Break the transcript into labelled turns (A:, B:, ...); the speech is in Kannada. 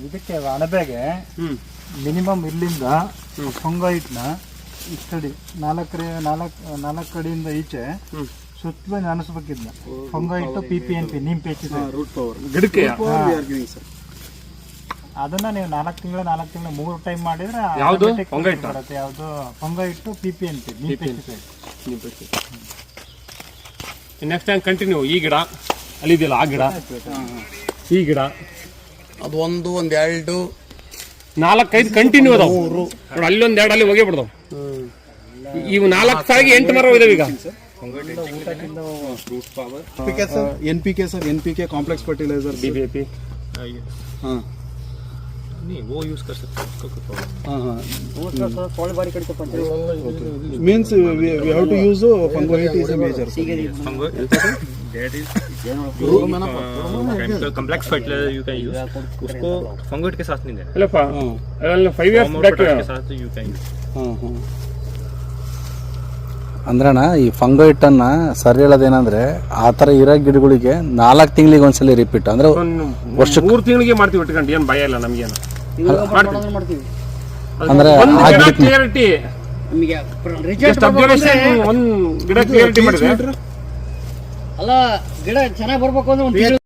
A: ಇದಕ್ಕೆ ಅಣಬೆಗೆ ಮಿನಿಮಮ್ ಇಲ್ಲಿಂದ ಫಂಗೈಟ್ನ ಇಷ್ಟಡಿ ನಾಲ್ಕು ಕಡೆಯಿಂದ ಈಚೆ ಸುತ್ತಲೂ ನೆನೆಸ್ಬೇಕಿದ್ನ ಫಂಗೈಟ್ PPNP neem pesticide
B: root power ಗಿಡಕ್ಕೆ
A: ಅದನ್ನ ನೀವು 4 ತಿಂಗಳು 3 ಟೈಮ್ ಮಾಡಿದ್ರೆ
B: ಯಾವುದು
A: ಬರುತ್ತೆ. ಯಾವುದು ಫಂಗೈಟ್ PPNP neem pesticide.
B: Next time continue ಈ ಗಿಡ ಅಲ್ಲಿದೆಯಲ್ಲ ಆ ಗಿಡ ಈ ಗಿಡ
C: ಅದು ಒಂದು 2
B: 4-5 ಕಂಟಿನ್ಯೂ ಅದಾವ ನೋಡಿ. ಅಲ್ಲಿ 1 2 ಅಲ್ಲಿ ಹೋಗೇ ಬಿಡ್ದಾವ. ಇವು 4 ಸಾಗಿ 8 ಮರ ಇದಾವೆ ಈಗ.
D: NPK sir NPK complex fertiliser
B: DAP
D: हाँ
E: नहीं वो यूज कर सकते हैं उसका कोई प्रॉब्लम
D: हाँ means we have to use फंगोइट is a major
E: that is chemical complex fertiliser you can use उसको फंगोइट के साथ नहीं देना
B: ಅಲ್ಲಪ್ಪ ಅದೆಲ್ಲ 5 ಇಯರ್ಸ್ ಬ್ಯಾಕ್
E: के साथ यू कैन यूज
D: हाँ हाँ
F: ಅಂದ್ರಣ್ಣ ಈ ಫಂಗೈಟನ್ನು ಸರಿ ಹೇಳೋದೇನಂದ್ರೆ ಆ ಥರ ಇರೋ ಗಿಡಗಳಿಗೆ 4 ತಿಂಗಳಿಗೆ ಒಂದ್ಸಲಿ ರಿಪೀಟ್ ಅಂದ್ರೆ ವರ್ಷಕ್ಕೆ
B: 3 ತಿಂಗಳಿಗೆ ಮಾಡ್ತೀವಿ ಇಟ್ಕೊಂಡು ಏನು ಭಯ ಇಲ್ಲ ನಮಗೇನು
F: ಅಂದ್ರೆ ಆ ಗಿಡಕ್ಕೆ
B: ಕ್ಲಿಯರಿಟಿ ಒಂದು ಗಿಡ ಕ್ಲಿಯರಿಟಿ ಮಾಡಿದ್ರೆ
C: ಅಲ್ಲ ಗಿಡ ಚೆನ್ನಾಗಿ ಬರ್ಬೇಕು ಅಂದ್ರೆ